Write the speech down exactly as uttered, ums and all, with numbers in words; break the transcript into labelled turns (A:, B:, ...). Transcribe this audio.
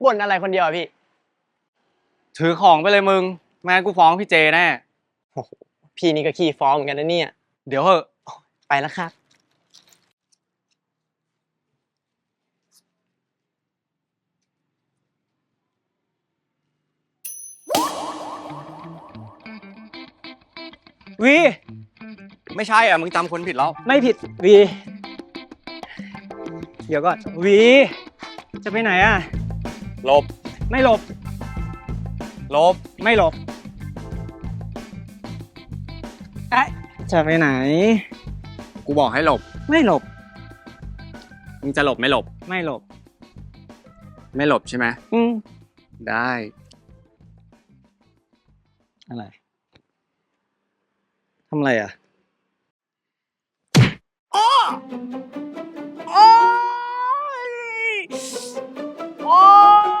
A: บ่นอะไรคนเดียวอะพี่
B: ถือของไปเลยมึงแม่งั้นกูฟ้องพี่เจแน่
A: โอ้โหพี่นี่ก็ขี้ฟ้องเหมือนกันนะเนี่ย
B: เดี๋ยวเหอะ
A: ไปแล้วครับ
B: วีไม่ใช่อ่ะมึงจำคนผิดแล้ว
A: ไม่ผิดวีเดี๋ยวก่อนวีจะไปไหนอ่ะ
B: หลบ
A: ไม่หลบ
B: หลบ
A: ไม่หลบเอ๊ะจะไปไหน
B: กูบอกให้หลบ
A: ไม่หลบ
B: มึงจะหลบไม่หลบ
A: ไม่หลบ
B: ไม่หลบใช่ไหม
A: อืม
B: ได้
A: อะไรทำอะไรอ่ะโอ้โอ้ยโอ้